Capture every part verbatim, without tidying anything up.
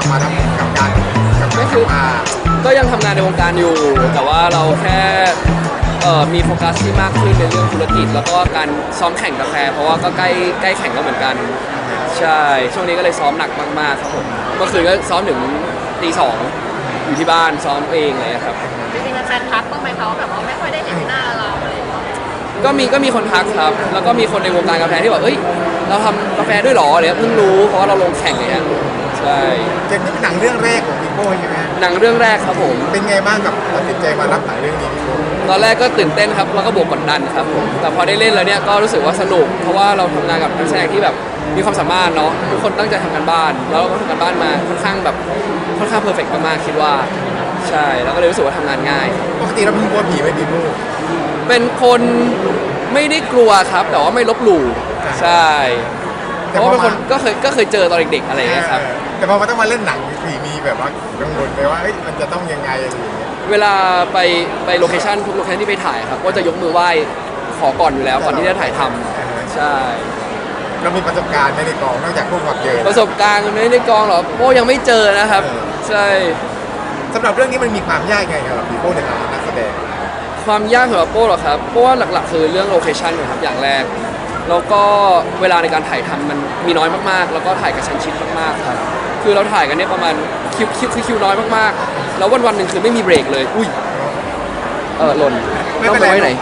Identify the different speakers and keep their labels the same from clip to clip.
Speaker 1: มาทำกับการกับ
Speaker 2: ก็
Speaker 1: การ
Speaker 2: คือ
Speaker 1: มา
Speaker 2: ก็ยังทำงานในวงการอยู่ แต่ว่าเราแค่เอ่อมีโฟกัสที่มากขึ้นในเรื่องธุรกิจ แล้วก็การซ้อมแข่งกาแฟเพราะว่าก็ใกล้ใกล้แข่งแล้วเหมือนกันใช่ช่วงนี้ก็เลยซ้อมหนักมากๆครับผมเมื่อคืนก็ซ้อมถึงตีสองอยู่ที่บ้านซ้อมเองเลยครับ
Speaker 3: จริงๆแฟนทักบ้างไหมเขาแบบว่าไม่ค่อยได้เห็นหน้าเราอะไรอย่างเงี้ย
Speaker 2: ก็มีก็มีคนทักครับ แล้วก็มีคนในวงการกาแฟที่บอกเอ้ยเราทำกาแฟด้วยเหรอเนี่ยเพิ่งรู้เพราะว่าเราลงแข่งเนี่ยใช่
Speaker 1: เจนนี่เป็นหนังเรื่องแรกของพี่โป้ใช่ไหม
Speaker 2: หนังเรื่องแรกครับผม
Speaker 1: เป็นไงบ้างกับตัดสินใจมารับหนังเรื่องนี้พี่โป้
Speaker 2: ตอนแรกก็ตื่นเต้นครับแล้วก็บวกกดดันครับผมแต่พอได้เล่นแล้วเนี่ยก็รู้สึกว่าสนุกเพราะว่าเราทำงานกับนักแสดงที่แบบมีความสามารถเนาะทุกคนตั้งใจทำกันบ้าน แล้วเราก็ทำกันบ้านมาค่อนข้างแบบค่อนข้างเพอร์เฟกต์มากๆคิดว่าใช่แล้วก็เลยรู้สึกว่าทำงานง่าย
Speaker 1: ปกติเราเป็นกลัวผีไหมพี่โป้
Speaker 2: เป็นคนไม่ได้กลัวครับ แต่ว่าไม่ลบหลู่ใช่เพราะว่าเป็นคนก็เคยก็เคยเจอตอนเด็กๆอะไรอย่างเงี้ยครับ
Speaker 1: แต่พอมาต้องมาเล่นหนังผีมีแบบว่ากังวลไหมว่าเอ้ยมันจะต้องยังไงอะไรอย่างเงี้ย
Speaker 2: เวลาไปไปโลเคชั่นทุกโลเคชั่นที่ไปถ่ายครับก็จะยกมือไหว้ขอก่อนอยู่แล้วก่อนที่จะถ่ายทำใช่
Speaker 1: เรามีประสบการณ์ไหมในกองนอกจากพวกความเจอ
Speaker 2: ประสบการณ์ไม่ได้กองหรอโอ้ยังไม่เจอนะครับ
Speaker 1: เออ
Speaker 2: ใช่
Speaker 1: สำหรับเรื่องนี้มันมีความยากไงครับพี่โป้ในฐานะนักแสดง
Speaker 2: ความยากสำหรับโป้เหรอครับเพราะว่าหลักๆคือเรื่องโลเคชั่นครับอย่างแรกแล้วก็เวลาในการถ่ายทำมันมีน้อยมากๆ แล้วก็ถ่ายกระชั้นชิดมากๆครับคือเราถ่ายกันเนี่ยประมาณคิวคิวคือคิวน้อยมากๆแล้ววันวันๆหนึ่งคือไม่มีเบรกเลยอุ้ยเออหล่น
Speaker 1: ไม่
Speaker 2: ต้อง
Speaker 1: เป็น
Speaker 2: ไป
Speaker 1: ไร
Speaker 2: ไว้ไหน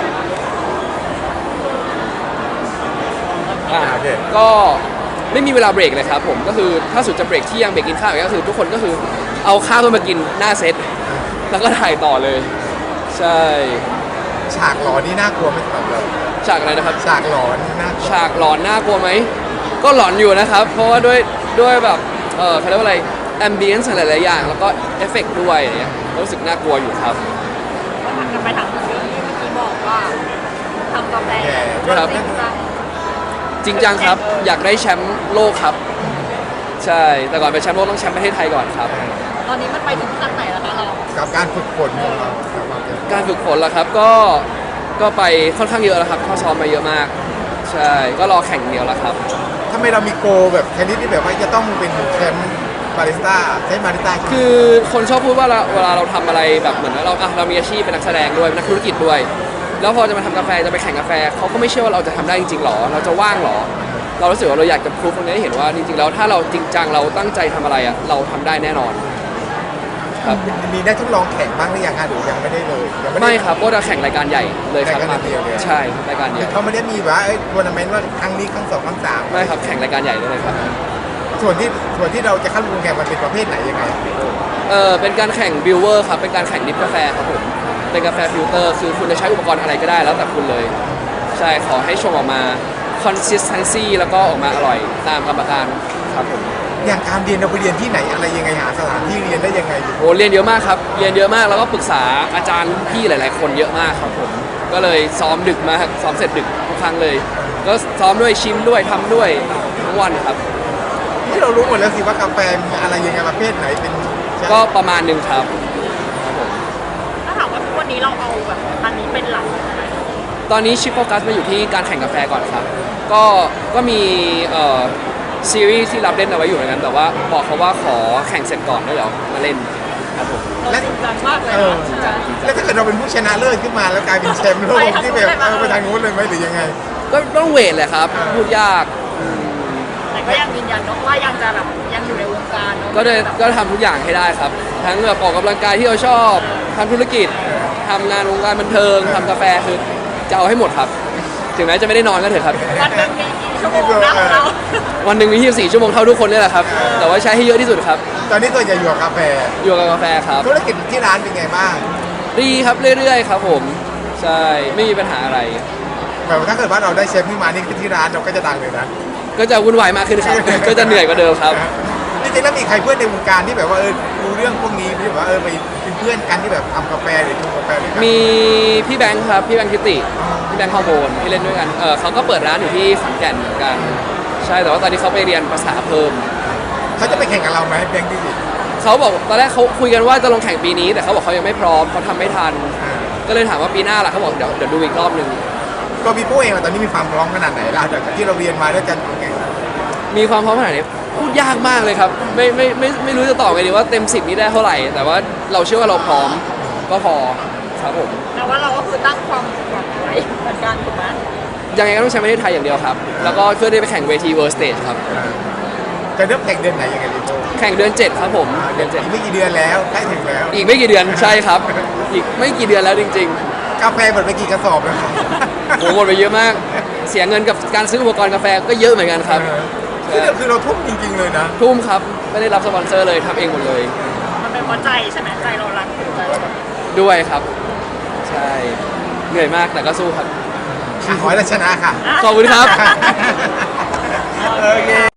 Speaker 2: อ่า
Speaker 1: โอเค
Speaker 2: ก็ไม่มีเวลาเบรกเลยครับผมก็คือถ้าสุดจะเบรกที่ยังเบรกกินข้าวก็คือทุกคนก็คือเอาข้าวขึ้นมากินหน้าเซตแล้วก็ถ่ายต่อเลยใช่
Speaker 1: ฉากหลอนนี่น่ากลัวไหมสำหรับเรา
Speaker 2: ฉากอะไรนะครับ
Speaker 1: ฉากหลอนนี่น่ากลัว
Speaker 2: ฉากหลอนน่ากลัวไหมก็หลอนอยู่นะครับ เพราะว่าด้วยด้วยแบบเออเขาเรียกว่าอะไรแอมเบียนซ์หลายๆอย่างแล้วก็เอฟเฟกต์ด้วยอะไรเงี้ยรู้สึกน่ากลัวอยู่ครับ
Speaker 3: มันกันไปถามที่เมื่อกี้บอกว่าทำกาแฟ
Speaker 2: ครับ
Speaker 3: จริงจัง
Speaker 2: จริงจังครับอยากได้แชมป์โลกครับ ใช่แต่ก่อนเป็นแชมป์โลกต้องแชมป์ประเทศไทยก่อนครับ
Speaker 3: ตอนนี้มันไปถึงขั้นไหนแล้วคะเรา
Speaker 1: กับการฝึกฝนของเรากับความเจอ
Speaker 2: การฝึกฝนล่ะครับก็ก็ไปค่อนข้างเยอะแล้วครับเข้าซ้อมมาเยอะมาก ใช่ก็รอแข่งเดียวแล้วครับ
Speaker 1: ทำไมเรามีโกลแบบชนิดที่แบบว่าจะต้องเป็นแชมป์บาริสต้าใช้บาริสต้า
Speaker 2: คือคนชอบพูดว่าเราเวลาเราทำอะไรแบบเหมือนว่าเราอ่ะเรามีอาชีพเป็นนักแสดงด้วยเป็นนักธุรกิจด้วย แล้วพอจะมาทำกาแฟจะไปแข่งกาแฟเขาก็ไม่เชื่อว่าเราจะทำได้จริงๆหรอ เราจะว่างหรอ เรารู้สึกว่าเราอยากจะพิสูจตรงนี้ให้เห็นว่าจริงๆแล้วถ้าเราจริงจังเราตั้งใจทำอะไรอ่ะเราทำได้แน่นอนครับ
Speaker 1: มีได้ทดลองแข่งบ้างหรือยังคะหรือยังไม่ได้เลยยัง
Speaker 2: ไม่ครับก็จะแข่งรายการใหญ่เลยครับ
Speaker 1: รายการเดียวเลย
Speaker 2: ใช่รายการเดียว
Speaker 1: เขาไม่ได้มีว่าทัวร์นาเมนต์ว่าครั้งนี้ครั้งสองครั้งสาม
Speaker 2: ไม่ครับแข่งรายการใหญ่เลยครับ
Speaker 1: ส่วนที่ส่วนที่เราจะเข้าร่วมแข่งมันเป็นประเภทไหนยังไง
Speaker 2: เออเป็นการแข่งบิวเวอร์ครับเป็นการแข่งดริปกาแฟครับผมเป็นกาแฟฟิลเตอร์คือคุณจะใช้อุปกรณ์อะไรก็ได้แล้วแต่คุณเลย ใช่ขอให้ชงออกมา consistency แล้วก็ออกมาอร่อยตามกรรมการครับผม
Speaker 1: อย่างการเรียนเราไปเรียนที่ไหนอะไรยังไงหาสถานที่เรียนได้ยังไงอยู่
Speaker 2: โอ้เรียนเยอะมากครับเรียนเยอะมากแล้วก็ปรึกษาอาจารย์พี่หลาย ๆ คนเยอะมากครับผมก็เลยซ้อมดึกมากซ้อมเสร็จดึกทุกครั้งเลย ก็ซ้อมด้วยชิมด้วยทำด้วยทั้งวันครับ
Speaker 1: ที่เรารู้หมดแล้วสิว่ากาแฟมีอะไรยังไงประเภทไหนเป็น
Speaker 2: ก็ประมาณหนึ่งครับ
Speaker 3: ถ้าถามว่าทุกวันนี้เราเอาแบบอันนี้เป็นหลัก
Speaker 2: ตอนนี้ชิปโฟกัสมาอยู่ที่การแข่งกาแฟก่อนครับ ก็ก็มีเอ่อซีรีส์ที่รับเล่นเอาไว้อยู่เหมือนกัน แต่ว่าบอกเขาว่าขอแข่งเสร็จก่อนแล้วเดี๋ยวมาเล่นครับผม
Speaker 3: เราจริงจังมากเลย
Speaker 1: เออ
Speaker 3: นะจริงจัง
Speaker 1: แล้วถ้าเกิดเราเป็นผู้ชนะเลิศขึ้นมาแล้วกลายเป็นแชมป์โลก
Speaker 3: ไปทาง
Speaker 1: ที่
Speaker 3: นู้
Speaker 1: แบ
Speaker 3: น
Speaker 1: บ
Speaker 3: ได้ไหม
Speaker 1: เออไปทางนู้นเลยไหมหรือยังไง
Speaker 2: ก็ต้องเวทแหละครับ พูดยาก
Speaker 3: แต่ก็ยังยืนยันเนอะว่ายังจะแบบยังอยู่ในวงการเนอะ
Speaker 2: ก็เลยก็ทำทุกอย่างให้ได้ครับ ทั้งแบบออกกำลังกายที่เราชอบทำธุรกิจทำงานวงการบันเทิงทำกาแฟคือจะเอาให้หมดครับ ถึงแม้จะไม่ได้นอนก็เถอะครับ
Speaker 3: วันหนึงมีกี่ชั่วโมงนะของเรา
Speaker 2: วันหนึ่งมียี่สิบสี่ชั่วโมงเท่าทุกคนนี่แหละครับ แต่ว่าใช้ให้เยอะที่สุดครับ
Speaker 1: ตอนนี้ตัวจะอยู่กับกาแฟ
Speaker 2: อยู่กับกาแฟครับ
Speaker 1: ธุรกิจที่ร้านเป็นไงบ้าง
Speaker 2: ดีครับเรื่อยๆครับผม ใช่ ไม่มีปัญหาอะไร
Speaker 1: แบบว่าถ้าเกิดว่าเราได้แชมป์ขึ้นมานี่คือที่ร้านเราก็จะดังเลยนะ
Speaker 2: ก็จะวุ่นวายมากขึ้นครับ ก็จะเหนื่อยกว่าเดิมครับ
Speaker 1: จริงๆแล้วมีใครเพื่อนในวงการที่แบบว่าเออรู้เรื่องพวกนี้ที่แบบว่าเออไปเป็นเพื่อนกันที่แบบทำกาแฟหรือชงกาแฟด้วยกัน
Speaker 2: มีพี่แบงค์ครับ พี่แบงค์ทิติ พี่แบงค์ฮอร์โมนที่เล่นด้วยกัน เออเขาก็เปิดร้านอยู่ที่ขอนแก่นเหมือนกัน ใช่ แต่ว่าตอนนี้เขาไปเรียนภาษาเพิ่ม
Speaker 1: เขาจะไปแข่งกับเราไหมแบงค์ดิสิ
Speaker 2: เขาบอกตอนแรกเขาคุยกันว่าจะลงแข่งปีนี้ แต่เขาบอกเขายังไม่พร้อมเขาทำไม่ทัน ก็เลยถามว่าปีหน้าล่ะเขาบอกเดี๋ยวเดี๋ยวดูอีกรอบหนึ่ง
Speaker 1: ตัวพี่โป้เองอะตอนนี้มีความพร้อมขนาดไหนล่ะจากที่เราเรียนมาด้วยกันแข่ง
Speaker 2: มีความพร้อมขนาดนี้พูดยากมากเลยครับไม่ไม่ไม่ไม่รู้จะตอบไงดีว่าเต็มสิบนี้ได้เท่าไหร่ แต่ว่าเราเชื่อว่าเราพร้อมก็พอครับผม
Speaker 3: แต่ว่าเราก็คือตั้งความหวังไว้เหมือนกันถูกไหม
Speaker 2: ยังไงก็ต้องใช้ประเทศไทยอย่างเดียวครับ แล้วก็เพื่อได้ไปแข่งเวที World Stage ครับ
Speaker 1: จะเริ่มแข่งเดือนไหนยังไงพี่โบ
Speaker 2: แข่งเดือนเจ็ดครับผมเดือนเจ็ด
Speaker 1: อีกไม่กี่เดือนแล้วใกล้ถึงแล้ว
Speaker 2: อีกไม่กี่เดือนใช่ครับ อีกไม่กี่เดือนแล้วจริง
Speaker 1: กาแฟหมดไปกี่กระสอบแล้ว
Speaker 2: ๆผมหมดไปเยอะมาก เสียเงินกับการซื้ออุปกรณ์กาแฟก็เยอะเหมือนกันครับ
Speaker 1: คือเราคือเราทุ่มจริง ๆ เลยนะ
Speaker 2: ทุ่มครับไม่ได้รับสปอนเซอร์เลยทำเองหมดเลย
Speaker 3: มันเป็นเพราะใจใช่ไหมใจเรารักถึงใจเราแบบ
Speaker 2: ด้วยครับ ใช่เหนื่อยมากแต่ก็สู้ครับ
Speaker 1: ขอให้เราชนะค่ะ
Speaker 2: ขอบคุณครับ
Speaker 1: โอเค